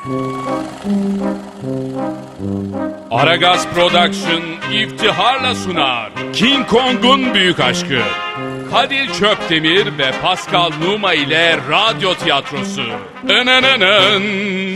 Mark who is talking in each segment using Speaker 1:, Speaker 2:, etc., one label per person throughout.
Speaker 1: Aragaz Production iftiharla sunar King Kong'un büyük aşkı. Kadir Çöpdemir ve Pascal Numa ile radyo tiyatrosu. Inanın.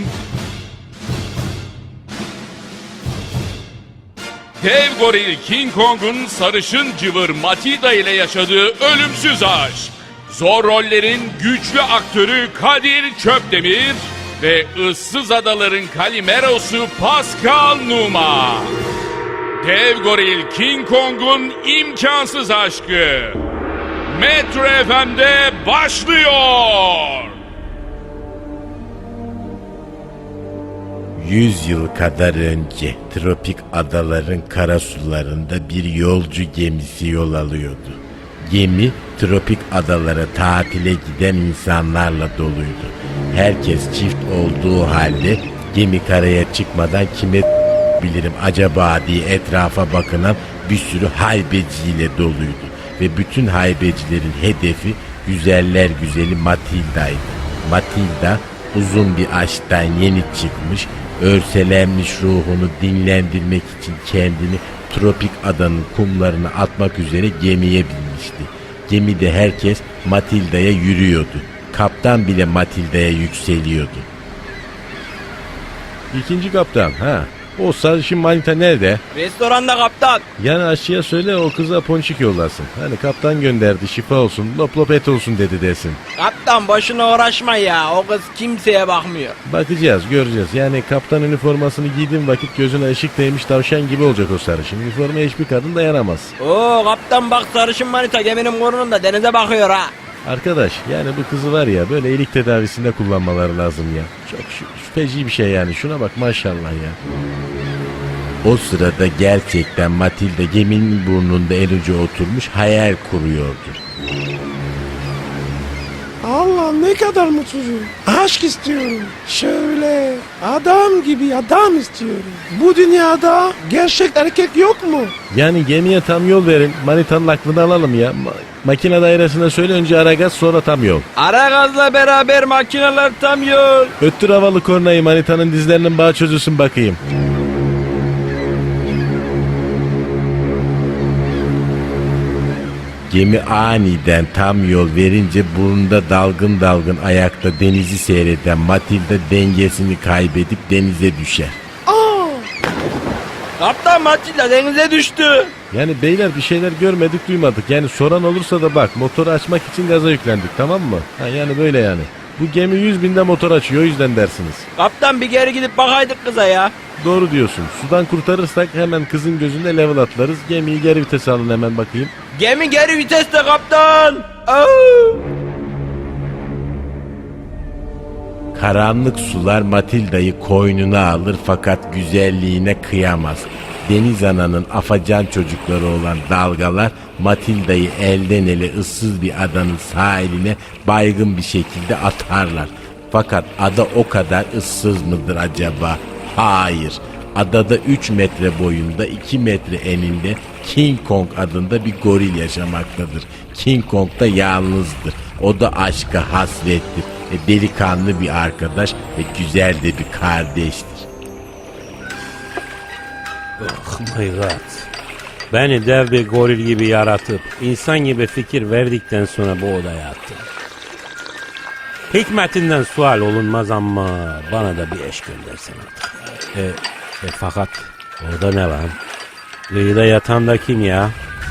Speaker 1: Dev goril King Kong'un sarışın cıvır Matilda ile yaşadığı ölümsüz aşk. Zor rollerin güçlü aktörü Kadir Çöpdemir ve ıssız adaların Kalimerosu Pascal Numa. Dev goril King Kong'un imkansız aşkı. Metro FM'de başlıyor.
Speaker 2: 100 yıl kadar önce tropik adaların karasularında bir yolcu gemisi yol alıyordu. Gemi tropik adalara tatile giden insanlarla doluydu. Herkes çift olduğu halde gemi karaya çıkmadan kime bilirim acaba diye etrafa bakınan bir sürü haybeciyle doluydu. Ve bütün haybecilerin hedefi güzeller güzeli Matilda'ydı. Matilda uzun bir aşktan yeni çıkmış, örselenmiş ruhunu dinlendirmek için kendini tropik adanın kumlarına atmak üzere gemiye binmişti. Gemide herkes Matilda'ya yürüyordu. Kaptan bile Matilda'ya yükseliyordu. İkinci kaptan, o sarışın manita nerede?
Speaker 3: Restoranda kaptan.
Speaker 2: Yani aşçıya söyle o kıza ponçik yollasın. Hani kaptan gönderdi, şifa olsun, lop lop et olsun dedi desin.
Speaker 3: Kaptan boşuna uğraşma ya, o kız kimseye bakmıyor.
Speaker 2: Bakacağız, göreceğiz. Yani kaptan üniformasını giydiğim vakit gözüne ışık değmiş tavşan gibi olacak o sarışın. Üniformaya hiçbir kadın dayanamaz.
Speaker 3: Oo kaptan bak, sarışın manita geminin burnunda denize bakıyor ha.
Speaker 2: Arkadaş yani bu kızı var ya böyle iyilik tedavisinde kullanmaları lazım ya. Çok şüpheci bir şey yani, şuna bak maşallah ya. O sırada gerçekten Matilda geminin burnunda en ucu oturmuş hayal kuruyordu.
Speaker 4: Allah ne kadar mutluyum. Aşk istiyorum. Şöyle adam gibi adam istiyorum. Bu dünyada gerçek erkek yok mu?
Speaker 2: Yani gemiye tam yol verin, manitanın aklını alalım ya. Makine dairesine söyle, önce Aragaz sonra tam yol.
Speaker 3: Aragaz'la beraber makineler tam yol.
Speaker 2: Öttür havalı kornayı, manitanın dizlerinin bağı çözülsün bakayım. Gemi aniden tam yol verince burnunda dalgın dalgın ayakta denizi seyreden Matilda dengesini kaybedip denize düşer.
Speaker 3: Kaptan Matilda denize düştü.
Speaker 2: Yani beyler bir şeyler görmedik duymadık. Yani soran olursa da bak, motoru açmak için gaza yüklendik, tamam mı? Yani böyle yani. Bu gemi 100.000'de motor açıyor, o yüzden dersiniz.
Speaker 3: Kaptan bir geri gidip bakaydık kıza ya.
Speaker 2: Doğru diyorsun. Sudan kurtarırsak hemen kızın gözünde level atlarız. Gemiyi geri vitese alın hemen bakayım.
Speaker 3: Gemi geri viteste kaptan. Oo.
Speaker 2: Karanlık sular Matilda'yı koynuna alır fakat güzelliğine kıyamaz. Deniz ananın afacan çocukları olan dalgalar Matilda'yı elden ele ıssız bir adanın sahiline baygın bir şekilde atarlar. Fakat ada o kadar ıssız mıdır acaba? Hayır. Adada 3 metre boyunda 2 metre eninde King Kong adında bir goril yaşamaktadır. King Kong da yalnızdır. O da aşka hasrettir. Delikanlı bir arkadaş ve güzel de bir kardeştir.
Speaker 5: Oh my god. Beni dev bir goril gibi yaratıp insan gibi fikir verdikten sonra bu odaya attı. Hikmetinden sual olunmaz ama bana da bir eş göndersen artık. Fakat orada ne var? Kıyıda yatan da kim ya?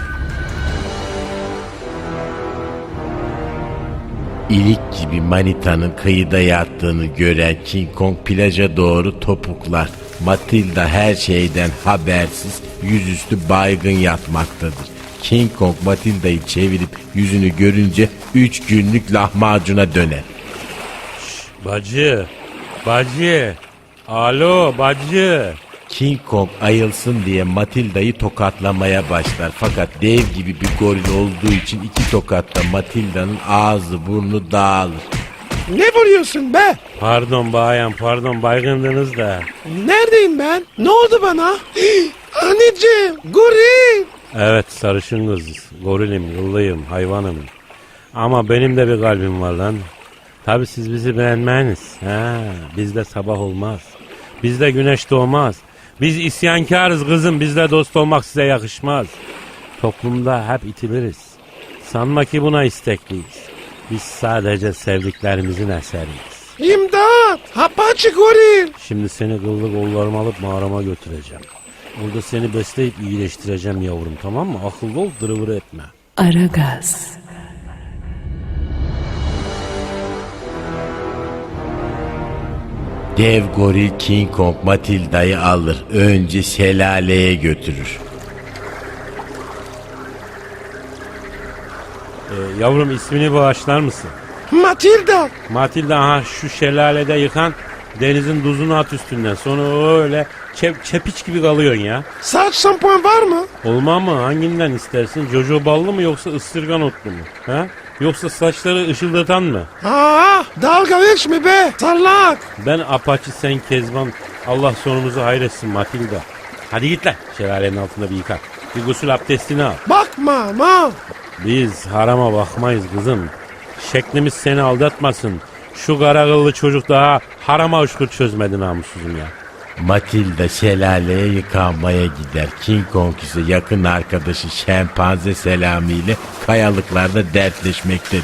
Speaker 2: İlik gibi manitanın kıyıda yattığını gören King Kong plaja doğru topuklar. Matilda her şeyden habersiz yüzüstü baygın yatmaktadır. King Kong Matilda'yı çevirip yüzünü görünce 3 günlük lahmacuna döner.
Speaker 5: Bacı. Alo bacı.
Speaker 2: King Kong ayılsın diye Matilda'yı tokatlamaya başlar. Fakat dev gibi bir goril olduğu için 2 tokatta Matilda'nın ağzı burnu dağılır.
Speaker 4: Ne vuruyorsun be?
Speaker 5: Pardon bayan pardon, baygındınız da.
Speaker 4: Neredeyim ben? Ne oldu bana? Anneciğim, goril.
Speaker 5: Evet sarışın kız, gorilim, yıllıyım, hayvanım. Ama benim de bir kalbim var lan. Tabi siz bizi beğenmeyiniz. Bizde sabah olmaz. Bizde güneş doğmaz. Biz isyankarız kızım. Bizle dost olmak size yakışmaz. Toplumda hep itiliriz. Sanma ki buna istekliyiz. Biz sadece sevdiklerimizin eseriyiz.
Speaker 4: İmdat! Apache goril!
Speaker 5: Şimdi seni kıllı kollarıma alıp mağarama götüreceğim. Burada seni besleyip iyileştireceğim yavrum, tamam mı? Akıllı ol, dırıvırı etme.
Speaker 6: Aragaz.
Speaker 2: Dev goril King Kong Matilda'yı alır. Önce şelaleye götürür.
Speaker 5: Yavrum ismini bağışlar mısın?
Speaker 4: Matilda!
Speaker 5: Matilda, şu şelalede yıkan denizin tuzunu at üstünden. Sonra öyle çepiç gibi kalıyorsun ya.
Speaker 4: Saç şampuan var mı?
Speaker 5: Olmaz mı? Hanginden istersin? Jojo ballı mı yoksa ısırgan otlu mu? Ha? Yoksa saçları ışıldatan mı?
Speaker 4: Dalga geçme be! Sallak!
Speaker 5: Ben Apache, sen Kezban. Allah sonumuzu hayretsin Matilda. Hadi git lan. Şelalenin altında bir yıkar. Bir gusül abdestini al.
Speaker 4: Bakma ma!
Speaker 5: Biz harama bakmayız kızım. Şeklimiz seni aldatmasın. Şu kara kıllı çocuk daha harama uçkur çözmedi namussuzum ya.
Speaker 2: Matilda şelaleye yıkanmaya gider. King Kong ise yakın arkadaşı şempanze Selami ile kayalıklarda dertleşmektedir.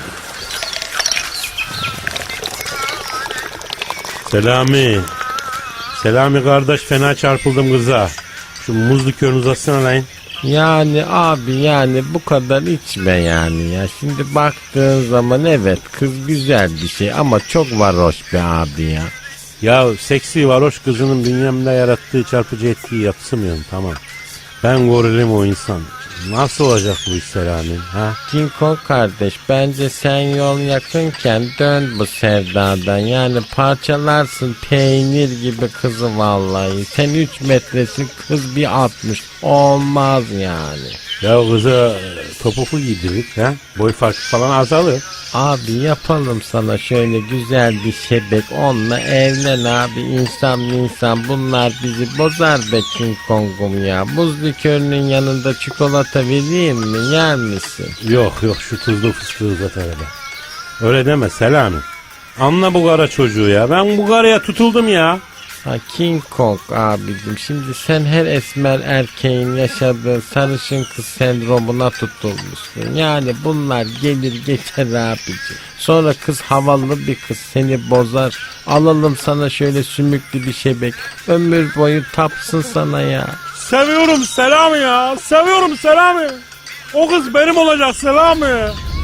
Speaker 5: Selami kardeş, fena çarpıldım kıza. Şu muz likörünü uzatsana lan.
Speaker 2: Yani abi, yani bu kadar içme yani ya. Şimdi baktığın zaman evet, kız güzel bir şey ama çok varoş be abi ya.
Speaker 5: Ya seksi varoş kızının bünyemde yarattığı çarpıcı etkiyi yatsımıyorum, tamam. Ben gorilim, o insan. Nasıl olacak bu iş Selami? Ha?
Speaker 2: King Kong kardeş, bence sen yol yakınken dön bu sevdadan. Yani parçalarsın peynir gibi kızı vallahi. Sen 3 metresin, kız bir 60. Olmaz yani.
Speaker 5: Ya kıza topuklu giydirdik, ha? Boy farkı falan azalır.
Speaker 2: Abi yapalım sana şöyle güzel bir şebek, onunla evlen abi. İnsan bunlar bizi bozar be King Kong'um ya. Buz likörünün yanında çikolata vereyim mi, yer misin?
Speaker 5: Yok şu tuzlu fıstığı uzat arada. Öyle deme Selami. Anla bu kara çocuğu ya. Ben bu karaya tutuldum ya.
Speaker 2: Ha King Kong abicim, şimdi sen her esmer erkeğin yaşadığı sarışın kız sendromuna tutulmuşsun. Yani bunlar gelir geçer abicim. Sonra kız havalı bir kız seni bozar. Alalım sana şöyle sümüklü bir şebek. Ömür boyu tapsın sana ya.
Speaker 5: Seviyorum Selami ya. Seviyorum Selami. O kız benim olacak Selami.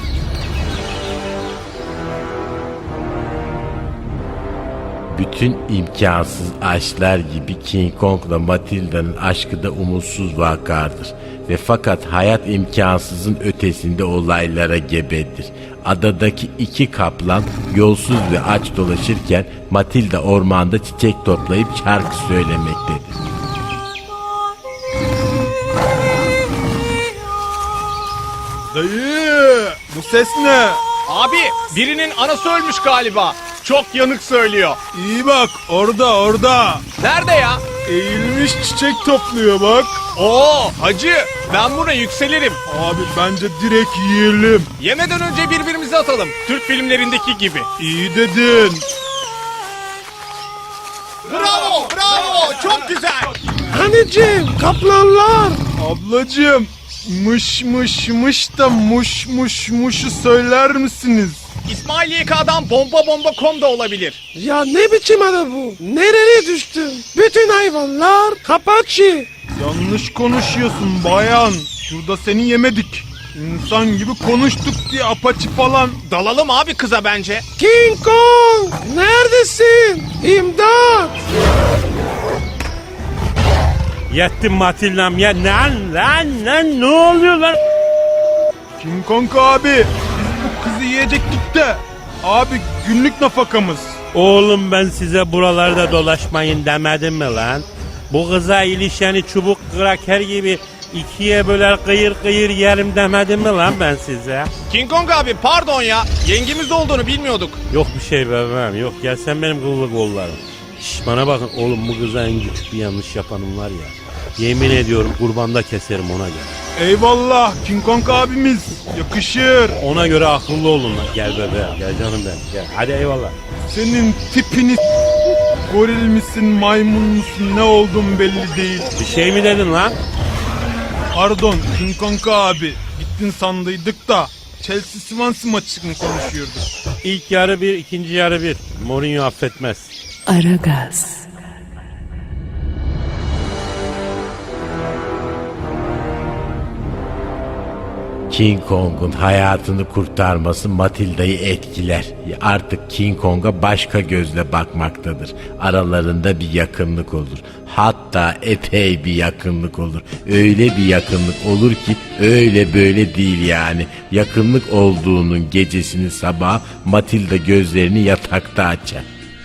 Speaker 2: Bütün imkansız aşklar gibi King Kong'la Matilda'nın aşkı da umutsuz vakardır. Ve fakat hayat imkansızın ötesinde olaylara gebedir. Adadaki 2 kaplan yolsuz ve aç dolaşırken Matilda ormanda çiçek toplayıp şarkı söylemektedir.
Speaker 7: Dayı, bu ses ne?
Speaker 3: Abi birinin anası ölmüş galiba. Çok yanık söylüyor.
Speaker 7: İyi bak, orada.
Speaker 3: Nerede ya?
Speaker 7: Eğilmiş çiçek topluyor bak.
Speaker 3: Oo hacı, ben buna yükselirim.
Speaker 7: Abi bence direkt yiyelim.
Speaker 3: Yemeden önce birbirimize atalım. Türk filmlerindeki gibi.
Speaker 7: İyi dedin.
Speaker 3: Bravo çok güzel.
Speaker 4: Anneciğim, kaplanlar!
Speaker 7: Ablacığım, mış da muşu söyler misiniz?
Speaker 3: İsmail YK'dan bomba.com da olabilir.
Speaker 4: Ya ne biçim ada bu? Nereye düştün? Bütün hayvanlar Apache.
Speaker 7: Yanlış konuşuyorsun bayan. Şurada seni yemedik. İnsan gibi konuştuk diye apaçı falan.
Speaker 3: Dalalım abi kıza bence.
Speaker 4: King Kong! Neredesin? İmdat!
Speaker 5: Yettim Matilda'm ya. Lan ne oluyor lan?
Speaker 7: King Kong abi, biz bu kızı yiyecektik de. Abi günlük nafakamız.
Speaker 5: Oğlum ben size buralarda dolaşmayın demedim mi lan? Bu kıza ilişeni çubuk kraker gibi 2'ye böler kıyır yerim demedim mi lan ben size?
Speaker 3: King Kong abi pardon ya. Yengemiz olduğunu bilmiyorduk.
Speaker 5: Yok bir şey bebeğim, yok, gel sen benim kıllı kollarım. Şş, bana bakın oğlum, bu kıza en küçük bir yanlış yapanım var ya. Yemin ediyorum kurbanda keserim ona göre.
Speaker 7: Eyvallah King Kong abimiz. Yakışır.
Speaker 5: Ona göre akıllı olun lan. Gel bebeğim, gel canım benim, gel. Hadi eyvallah.
Speaker 7: Senin tipini goril misin, maymun musun, ne oldun belli değil.
Speaker 5: Bir şey mi dedin lan?
Speaker 7: Pardon King Kong abi. Gittin sandıydık da Chelsea Swansea maçını konuşuyorduk.
Speaker 5: İlk yarı 1, ikinci yarı 1. Mourinho affetmez.
Speaker 6: Aragaz.
Speaker 2: King Kong'un hayatını kurtarması Matilda'yı etkiler. Artık King Kong'a başka gözle bakmaktadır. Aralarında bir yakınlık olur. Hatta epey bir yakınlık olur. Öyle bir yakınlık olur ki öyle böyle değil yani. Yakınlık olduğunun gecesini sabah Matilda gözlerini yatakta açar.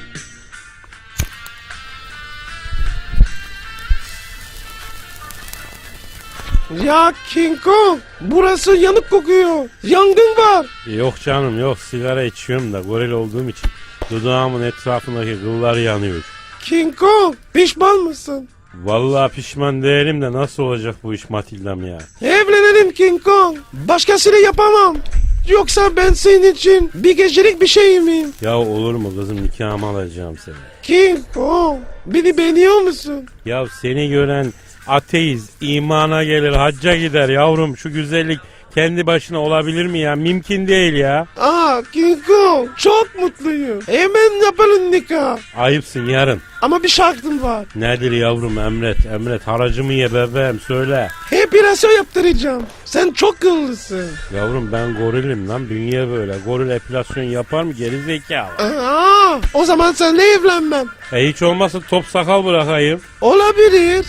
Speaker 4: Ya King Kong, burası yanık kokuyor. Yangın var.
Speaker 5: Yok canım yok, sigara içiyorum da goril olduğum için dudağımın etrafındaki kıllar yanıyor.
Speaker 4: King Kong, pişman mısın?
Speaker 5: Vallahi pişman değilim de nasıl olacak bu iş Matilda'm ya?
Speaker 4: Evlenelim King Kong. Başkasıyla yapamam. Yoksa ben senin için bir gecelik bir şey miyim?
Speaker 5: Ya olur mu kızım, nikahımı alacağım seni.
Speaker 4: King Kong, beni beğeniyor musun?
Speaker 5: Ya seni gören ateist imana gelir, hacca gider yavrum. Şu güzellik kendi başına olabilir mi ya? Mümkün değil ya.
Speaker 4: King Kong, çok mutluyum. Hemen yapalım nikah.
Speaker 5: Ayıpsın yarın.
Speaker 4: Ama bir şartım var.
Speaker 5: Nedir yavrum, emret haracımı ye bebeğim, söyle.
Speaker 4: Epilasyon yaptıracağım. Sen çok kıllısın.
Speaker 5: Yavrum ben gorilim lan, dünya böyle. Goril epilasyon yapar mı geri zekalı?
Speaker 4: O zaman seninle evlenmem.
Speaker 5: Hiç olmazsa top sakal bırakayım.
Speaker 4: Olabilir.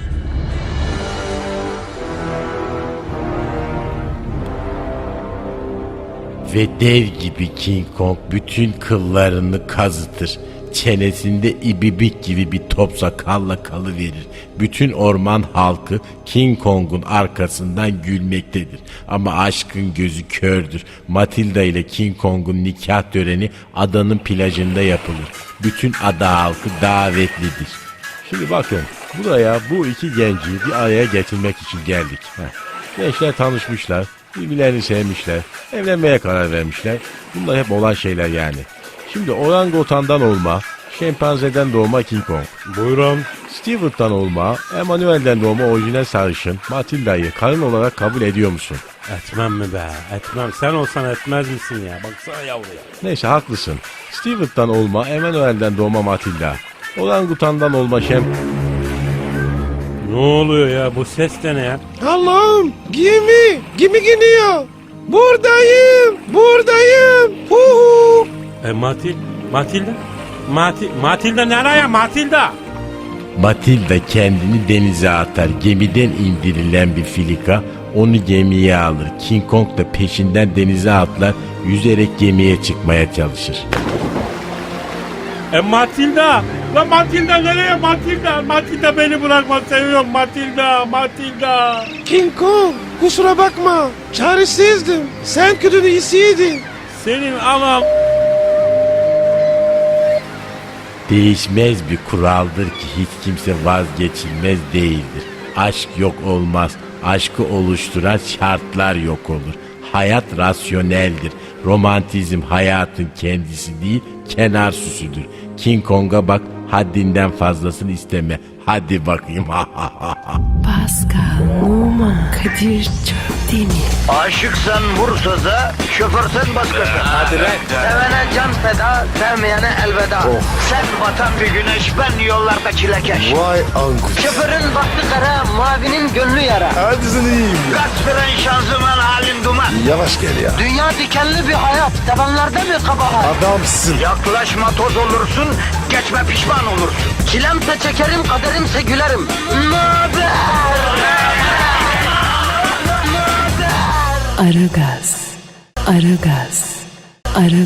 Speaker 2: Ve dev gibi King Kong bütün kıllarını kazıtır. Çenesinde ibibik gibi bir top sakalla kalıverir. Bütün orman halkı King Kong'un arkasından gülmektedir. Ama aşkın gözü kördür. Matilda ile King Kong'un nikah töreni adanın plajında yapılır. Bütün ada halkı davetlidir. Şimdi bakın, buraya bu iki genci bir araya getirmek için geldik. Gençler tanışmışlar, birbirlerini sevmişler, evlenmeye karar vermişler. Bunlar hep olan şeyler yani. Şimdi orangutandan olma, şempanzeden doğma King Kong,
Speaker 5: Buyurun.
Speaker 2: Stewart'tan olma, Emmanuel'den doğma orijinal sarışın Matilda'yı karın olarak kabul ediyor musun?
Speaker 5: Etmem mi be? Etmem. Sen olsan etmez misin ya? Baksana yavruya.
Speaker 2: Neyse haklısın. Stewart'tan olma, Emmanuel'den doğma Matilda, orangutandan olma
Speaker 5: Ne oluyor ya? Bu ses de ne ya?
Speaker 4: Allah'ım, gemi gidiyor. Buradayım.
Speaker 5: Matilda nereye Matilda?
Speaker 2: Matilda kendini denize atar. Gemiden indirilen bir filika onu gemiye alır. King Kong da peşinden denize atlar. Yüzerek gemiye çıkmaya çalışır.
Speaker 5: Matilda! Lan Matilda nereye Matilda? Matilda beni bırakma, seviyorum Matilda.
Speaker 4: King Kong, kusura bakma. Çaresizdim. Sen kötünün iyisiydin.
Speaker 5: Senin anam...
Speaker 2: Değişmez bir kuraldır ki hiç kimse vazgeçilmez değildir. Aşk yok olmaz. Aşkı oluşturan şartlar yok olur. Hayat rasyoneldir. Romantizm hayatın kendisi değil, kenar süsüdür. King Kong'a bak, haddinden fazlasını isteme. Hadi bakayım.
Speaker 6: Pascal, Oman, Kadir çok değil mi?
Speaker 8: Aşıksan vursa da, şoförsen başkasın. Hadi lan. Sevene can feda, sevmeyene elveda. Sen batan bir güneş, ben yollarda çilekeş.
Speaker 9: Vay anku.
Speaker 8: Şoförün baktı kara, mavinin gönlü yara.
Speaker 9: Hadi sen iyiyim ya.
Speaker 8: Kasperen şanzıman halin duman.
Speaker 9: Yavaş gel ya.
Speaker 8: Dünya dikenli bir hayat, sevenlerde mi kabahar?
Speaker 9: Adamsın.
Speaker 8: Yaklaşma toz olursun, geçme pişman olursun. Çilemse çekerim, kaderimse gülerim. Möber!
Speaker 6: Aragaz.